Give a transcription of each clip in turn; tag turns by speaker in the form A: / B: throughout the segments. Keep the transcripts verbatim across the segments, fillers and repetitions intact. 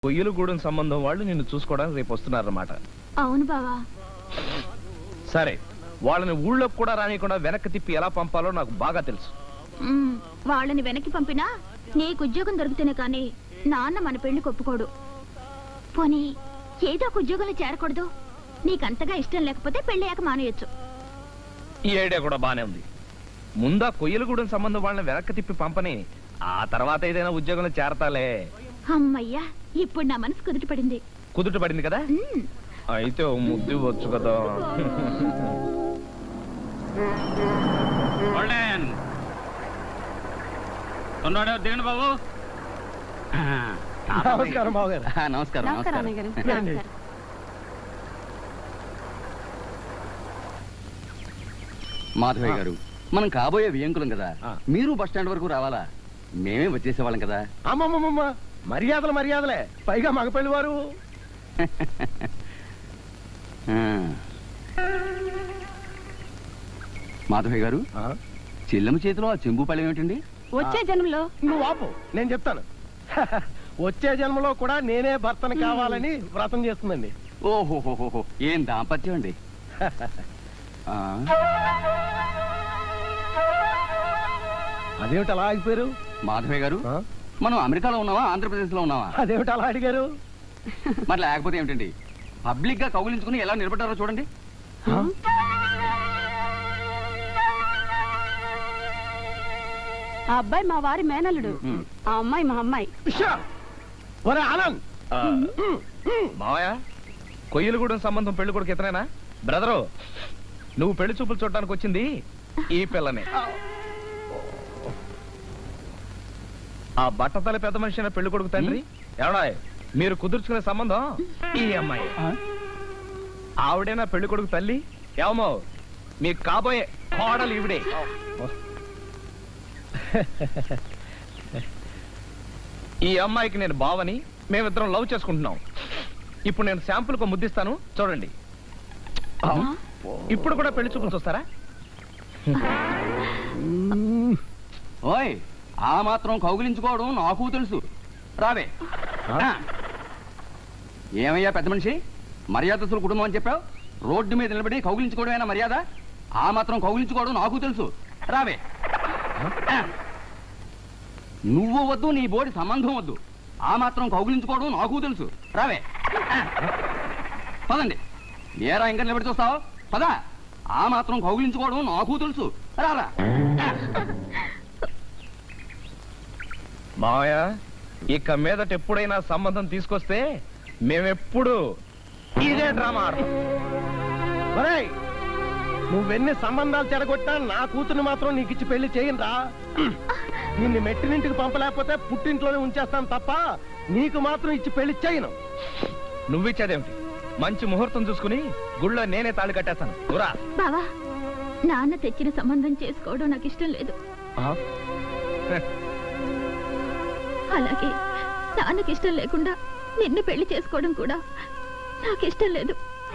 A: కొయ్యలగూడెం సంబంధం వాళ్ళు నిన్ను చూసుకోవడానికి రేపు వస్తున్నారన్నమాట.
B: అవును బావా.
A: సరే, వాళ్ళని ఊళ్ళోకి కూడా రానియకుండా వెనక్కి తిప్పి ఎలా పంపాలో నాకు బాగా తెలుసు.
B: వాళ్ళని వెనక్కి పంపినా నీకు ఉద్యోగం దొరికితేనే కానీ నాన్న మన పెళ్లి ఒప్పుకోడు. పోనీ ఏదో ఒక ఉద్యోగంలో చేరకూడదు? నీకంతగా ఇష్టం లేకపోతే పెళ్ళయ్యాక మానేయచ్చు.
A: ఈ ఐడియా కూడా బానే ఉంది. ముందా కొయ్యలగూడెం సంబంధం వాళ్ళని వెనక్కి తిప్పి పంపని, ఆ తర్వాత ఏదైనా ఉద్యోగంలో చేరతాలే.
B: అమ్మయ్యా, ఇప్పుడు నా మనసు కుదుట పడింది.
A: కుదుట పడింది కదా? అయితే ఓ ముద్దు వచ్చు కదా.
C: దిగండి బాబు.
D: నమస్కారం బాబు గారు.
C: నమస్కారం. మాధవయ్య గారు, మనం కాబోయే వియంకులం కదా, మీరు బస్ స్టాండ్ వరకు రావాలా? మేమే వచ్చేసేవాళ్ళం కదా.
D: అమ్మమ్మమ్మ, మర్యాదలు మర్యాదలే, పైగా మగపెళ్లి వారు.
C: మాధవయ్య గారు, చెల్లెమ్మ చేతిలో ఆ చెంబు పళ్ళం ఏమిటండి?
B: వచ్చే జన్మలో.
D: నువ్వు ఆపు, నేను చెప్తాను. వచ్చే జన్మలో కూడా నేనే భర్తను కావాలని వ్రతం చేస్తుందండి.
C: ఓహోహోహో, ఏం దాంపత్యం అండి.
D: అదేమిటి అలా ఆగిపోయారు?
C: మాధవయ్య గారు, మనం అమెరికాలో ఉన్నావా ఆంధ్రప్రదేశ్ లో ఉన్నావా?
D: అదేమిటి అలా అడిగారు?
C: మరి లేకపోతే ఏమిటండి, పబ్లిక్ గా కౌగిలించుకుని ఎలా నిలబడ్డారో చూడండి.
B: ఆ అబ్బాయి మా వారి మేనల్లుడు, ఆ అమ్మాయి మా అమ్మాయి.
A: మావయ్య, కొయ్యలగూడెం సంబంధం పెళ్లి కొడుకు ఇతనేనా? బ్రదరు, నువ్వు పెళ్లి చూపులు చూడటానికి వచ్చింది ఈ పిల్లనే. ఆ బట్టతల పెద్ద మనిషి అయిన పెళ్లి కొడుకు తండ్రి ఎవడా? మీరు కుదుర్చుకునే సంబంధం ఈ అమ్మాయి. ఆవిడేనా పెళ్లి కొడుకు తల్లి? ఏమో, మీకు కాబోయే కోడలు ఈవిడే. ఈ అమ్మాయికి నేను బావని, మేమిద్దరం లవ్ చేసుకుంటున్నాం. ఇప్పుడు నేను శాంపుల్ కు ముద్దిస్తాను, చూడండి. ఇప్పుడు కూడా పెళ్లి చూపులు చూస్తారా?
C: ఓయ్, ఆ మాత్రం కౌగిలించుకోవడం నాకు తెలుసు. రావే. ఏమయ్యా పెద్ద మనిషి, మర్యాదస్తుల కుటుంబం అని చెప్పావు, రోడ్డు మీద నిలబడి కౌగిలించుకోవడమేనా మర్యాద? ఆ మాత్రం కౌగిలించుకోవడం నాకు తెలుసు. రావే. నువ్వు వద్దు, నీ బోడి సంబంధం వద్దు, ఆ మాత్రం కౌగిలించుకోవడం నాకు తెలుసు. రావే. పదండి. ఏరా ఇంకా నిలబడి చూస్తావు? పదా. ఆ మాత్రం కౌగిలించుకోవడం నాకు తెలుసు. రారా.
A: మావయ్య, ఇక మీదట ఎప్పుడైనా సంబంధం తీసుకొస్తే మేమెప్పుడు ఇదే డ్రామా ఆడతాం.
D: నువ్వెన్ని సంబంధాలు చెడగొట్టా నా కూతురు మాత్రం నీకు ఇచ్చి పెళ్లి చేయనురా. నిన్ను మెట్టినింటికి పంపలేకపోతే పుట్టింట్లోనే ఉంచేస్తాను తప్ప నీకు మాత్రం ఇచ్చి పెళ్లి చేయను.
A: నువ్విచ్చేదేమిటి? మంచి ముహూర్తం చూసుకుని గుళ్ళో నేనే తాళి కట్టేస్తాను.
B: బావా, నాన్న తెచ్చిన సంబంధం చేసుకోవడం నాకు ఇష్టం లేదు. అలాగే నాన్నకి ఇష్టం లేకుండా నిన్ను పెళ్లి చేసుకోవడం కూడా నాకు ఇష్టం లేదు.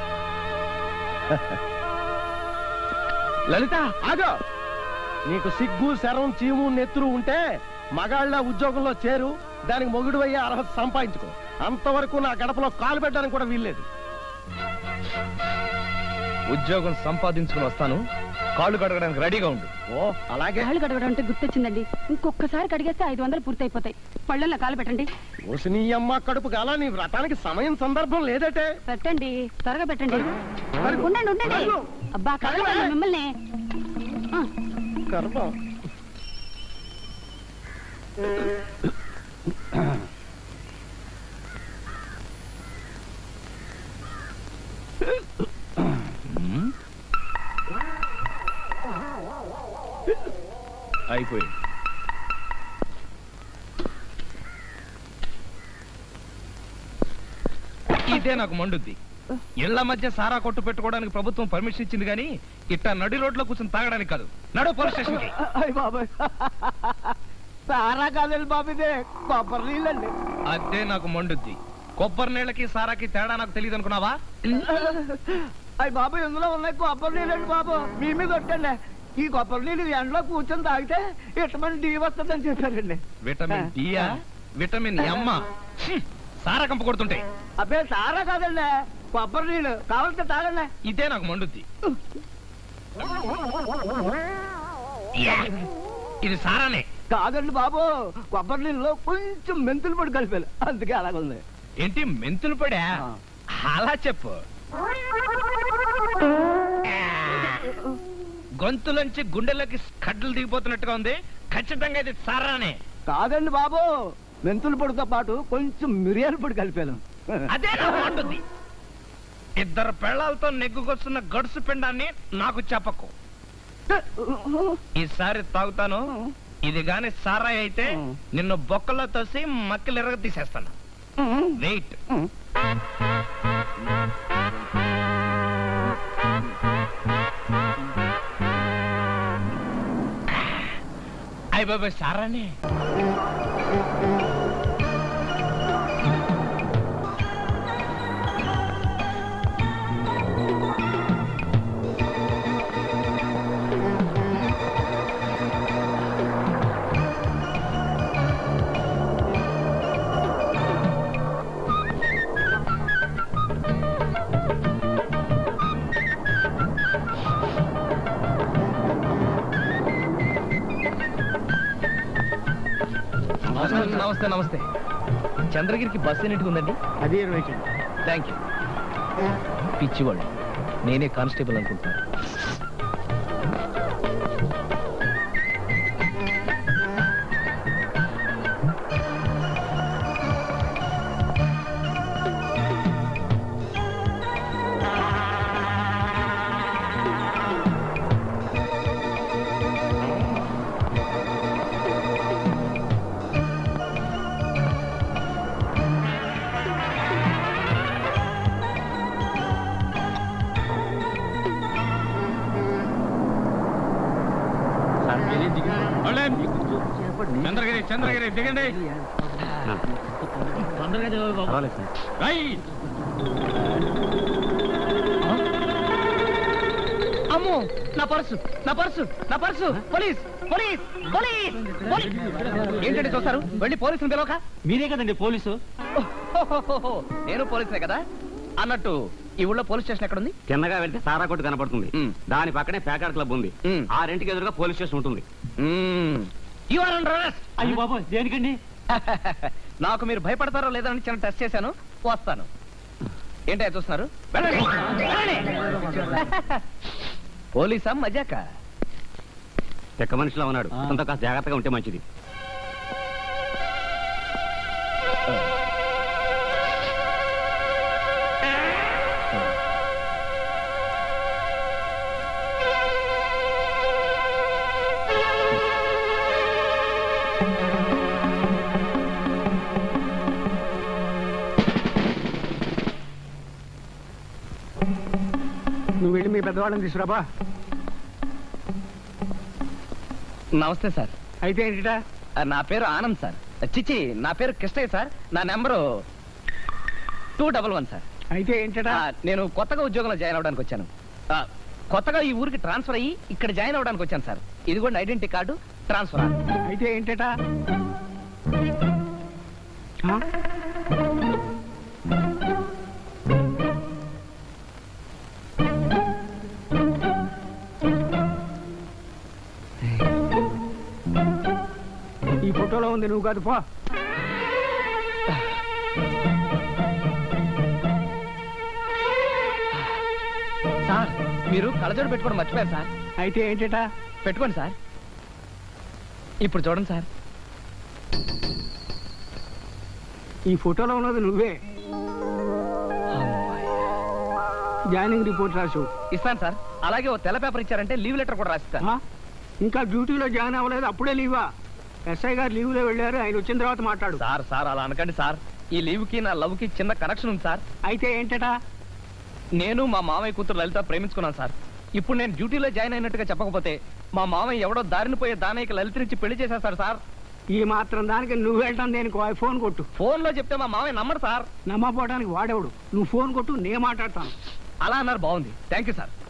D: లలిత, ఆగో. నీకు సిగ్గు, శరం, చీము, నెత్తురు ఉంటే మగాళ్ళ ఉద్యోగంలో చేరు, దానికి మొగుడు అయ్యే అర్హత సంపాదించుకో. అంతవరకు నా గడపలో కాలు పెట్టడానికి కూడా వీల్లేదు.
A: ఉద్యోగం సంపాదించుకుని వస్తాను, కాళ్ళు కడగడానికి రెడీగా ఉండు.
D: ఓ అలాగే.
E: కాళ్ళు కడగడం అంటే గుర్తొచ్చిందండి, ఇంకొకసారి కడిగేస్తే ఐదు వందలు పూర్తయిపోతాయి. పళ్ళల్లో కాలు పెట్టండి.
D: ఓసి నీ అమ్మ కడుపు గాల, నీ వ్రతానికి సమయం సందర్భం లేదటే.
E: పెట్టండి, త్వరగా పెట్టండి. ఉండండి ఉండండి. అబ్బా, కడగండి మిమ్మల్ని.
D: గర్భం.
A: అయిపోయింది. ఇదే నాకు మండుద్ది. ఇళ్ల మధ్య సారా కొట్టు పెట్టుకోవడానికి ప్రభుత్వం పర్మిషన్ ఇచ్చింది కానీ ఇట్టా నడి రోడ్లో కూర్చొని తాగడానికి కాదు. నడు పోలీస్ స్టేషన్ కి.
D: సారా కాదండి బాబు, ఇదే కొబ్బరి నీళ్ళండి.
A: అదే నాకు మండుద్ది. కొబ్బరి నీళ్ళకి సారాకి తేడా నాకు తెలియదు అనుకున్నావా?
D: అయ్యి బాబు, ఇందులో ఉన్నాయి కొబ్బరి నీళ్ళండి బాబు. మీ మీద కొట్టండి. ఈ కొబ్బరి నీళ్ళు ఎండలో కూర్చొని తాగితే విటమిన్ డి వస్తుందని చెప్పారండి.
A: విటమిన్ డియా? విటమిన్ ఎమ్? సారా కంప కొడుతుంటే
F: అబ్బే సారా కాదండి, కొబ్బరి నీళ్ళు కావాలంటే తాగండి.
A: ఇదే నాకు మండుద్ది. యా, ఇది సారానే.
F: కాదండి బాబు, కొబ్బరి నీళ్ళలో కొంచెం మెంతులు పొడి కలిపాను, అందుకే అలాగుంది.
A: ఏంటి మెంతులు పడా? అలా చెప్పు. గొంతులోంచి గుండెలోకి కడ్డలు దిగిపోతున్నట్టుగా ఉంది. ఖచ్చితంగా ఇది సారానే.
F: కాదండి బాబు, మెంతుల పొడితో పాటు కొంచెం మిరియాల పొడి కలిపాను.
A: అదే నాకు మండుద్ది. ఇద్దరు పెళ్ళాలతో నెగ్గుకొస్తున్న గడుసు పిండాన్ని నాకు చెప్పకు. ఈసారి తాగుతాను. ఇది గాని సారాయి అయితే నిన్ను బొక్కలో తోసి మక్కలు ఎరగ తీసేస్తాను. వెయిట్. అయ్య బాబాయ్ సారానే. నమస్తే నమస్తే. చంద్రగిరికి బస్సు ఎన్నిటికి ఉందండి?
F: అది ఇరవై.
A: Thank you. పిచ్చివాళ్ళు, నేనే కానిస్టేబుల్ అనుకుంటున్నాను. చంద్రగిరి చంద్రగిరి దిగండి. అమ్మో, నా పర్సు నా పర్సు నా purse. Police police police police. ఏంటంటే చూస్తారు? వెళ్ళి పోలీసుని పిలవక.
F: మీరే కదండి పోలీసు.
A: ఓహోహోహో, నేను పోలీసునే కదా. అన్నట్టు ఈ ఊళ్ళో పోలీస్ స్టేషన్ ఎక్కడ ఉంది?
C: చిన్నగా వెళ్తే సారా కొట్టు కనపడుతుంది.
A: మ్.
C: దాని పక్కనే ప్యాకార్ క్లబ్ ఉంది.
A: మ్.
C: ఆ రెంటికి ఎదురుగా పోలీస్ స్టేషన్ ఉంటుంది.
A: You are under arrest.
F: అయ్యి బాబు, దేనికండి?
A: నాకు మీరు భయపడతారో లేదని చిన్న టెస్ట్ చేశాను. వస్తాను. ఏంటో చూస్తున్నారు? వెళ్ళండి, వెళ్ళండి. పోలీసా మజాక?
C: తెక్క మనిషిలో ఉన్నాడు. అతనితో కాస్త జాగ్రత్తగా ఉంటే మంచిది.
F: నువ్వు వెళ్ళి మీ పెద్దవాళ్ళని తీసుకురాబా.
A: నమస్తే సార్.
F: అయితే ఏంటిటా?
A: నా పేరు ఆనంద్ సార్. చిచి, నా పేరు కృష్ణయ్య సార్. నా number two double one sir.
F: అయితే ఏంటటా?
A: ఆ, నేను కొత్తగా ఉద్యోగంలో జాయిన్ అవడానికి వచ్చాను. ఆ, కొత్తగా ఈ ఊరికి ట్రాన్స్ఫర్ అయ్యి ఇక్కడ జాయిన్ అవడానికి వచ్చాను సార్. ఇదిగోండి ఐడెంటిటీ కార్డు, ట్రాన్స్ఫర్.
F: అయితే ఏంటటా? ఆ? ఈ ఫోటోలో ఉంది, నువ్వు కాదు పో.
A: సార్, మీరు కళ్ళజోడు పెట్టుకోవడం మర్చిపోయారు సార్.
F: అయితే ఏంటటా?
A: పెట్టుకోండి సార్. ఇప్పుడు చూడండి సార్.
F: ఈ ఫోటోలో ఉన్నది నువ్వే. జాయినింగ్ రిపోర్ట్ రాసు.
A: ఇస్తాను సార్. అలాగే ఓ తెల్ల పేపర్ ఇచ్చారంటే లీవ్ లెటర్ కూడా రాసిస్తాను.
F: ఆ? ఇంకా డ్యూటీలో జాయిన్ అవ్వలేదు, అప్పుడే లీవా? ఎస్ఐ గారు లీవ్లో వెళ్ళారు, ఆయన వచ్చిన తర్వాత మాట్లాడు.
A: సార్ సార్ అలా అనకండి సార్. ఈ లీవ్ కి నా లవ్ కి చిన్న కనెక్షన్ ఉంది సార్.
F: అయితే ఏంటటా?
A: నేను మా మామయ్య కూతురు లలిత ప్రేమించుకున్నాను సార్. ఇప్పుడు నేను డ్యూటీలో జాయిన్ అయినట్టుగా చెప్పకపోతే మా మామయ్య ఎవడో దారిని పోయే దానయ్యకి లలితనిచ్చి పెళ్లి చేసేస్తాడు సార్.
F: ఈ మాత్రం దానికి నువ్వు వెళ్ళటం దేనికి? ఫోన్ కొట్టు.
A: ఫోన్ లో చెప్తే మా మామయ్య నమ్మడు సార్.
F: నమ్మపోవడానికి వాడేవాడు. నువ్వు ఫోన్ కొట్టు, నేను మాట్లాడతాను.
A: అలా అన్నారు, బాగుంది. Thank you sir.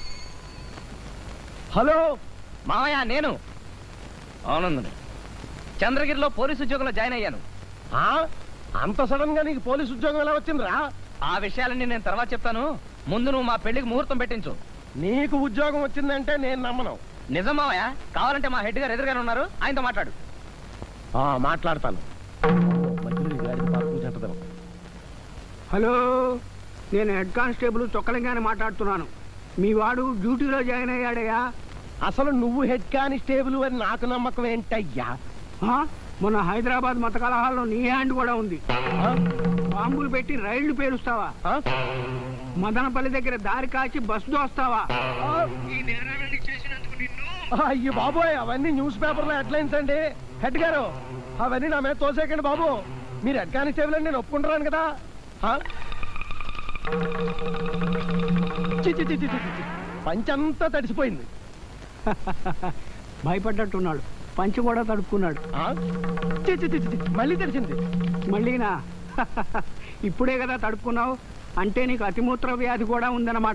A: హలో మామయ్య, నేను ఆనందని. చంద్రగిరిలో పోలీసు ఉద్యోగంలో జాయిన్ అయ్యాను.
D: ఆ? అంత సడన్ గా నీకు పోలీస్ ఉద్యోగం ఎలా వచ్చిందిరా?
A: ఆ విషయాలన్నీ నేను తర్వాత చెప్తాను. ముందు నువ్వు మా పెళ్లికి ముహూర్తం పెట్టించు.
D: నీకు ఉద్యోగం వచ్చిందంటే నేను నమ్మను.
A: నిజమావయ్యా? కావాలంటే మా హెడ్ గారు ఎదురుగానే ఉన్నారు, ఆయనతో మాట్లాడు.
D: ఆ, మాట్లాడతాను. మధ్యలో ఈ గాడిద పాపం జంటదనం.
F: హలో, నేను హెడ్ కానిస్టేబుల్ చొక్కలింగానే మాట్లాడుతున్నాను. మీ వాడు డ్యూటీలో జాయిన్ అయ్యాడయ్యా.
D: అసలు నువ్వు హెడ్ కానిస్టేబుల్ అని నాకు నమ్మకం ఏంటయ్యా?
F: ఆ? మొన్న హైదరాబాద్ మత కలహాల్లో నీ హ్యాండ్ కూడా ఉంది.
D: ఆ?
F: బాంబులు పెట్టి రైళ్లు పేలుస్తావా?
D: ఆ?
F: మదనపల్లి దగ్గర దారి కాచి బస్సు దోస్తావా?
D: ఆ? అయ్యో బాబోయ్, అవన్నీ న్యూస్ పేపర్లో హెడ్లైన్స్ అండి. హెడ్ గారు, అవన్నీ నా మీద తోసేకండి బాబు. మీరు హెడ్ కానిస్టేబుల్ అని నేను ఒప్పుకుంటున్నాను కదా. ఆ? చి, చి, చి, చి, చి, చి. పంచంతా తడిసిపోయింది.
F: భయపడ్డట్టున్నాడు. పంచి కూడా తడుపుకున్నాడు.
D: ఆ? చి, చి, చి, చి, చి. మళ్ళీ తడిసింది.
F: మళ్ళీనా? ఇప్పుడే కదా తడుపుకున్నావు. అంటే నీకు అతిమూత్ర వ్యాధి కూడా ఉందన్నమాట.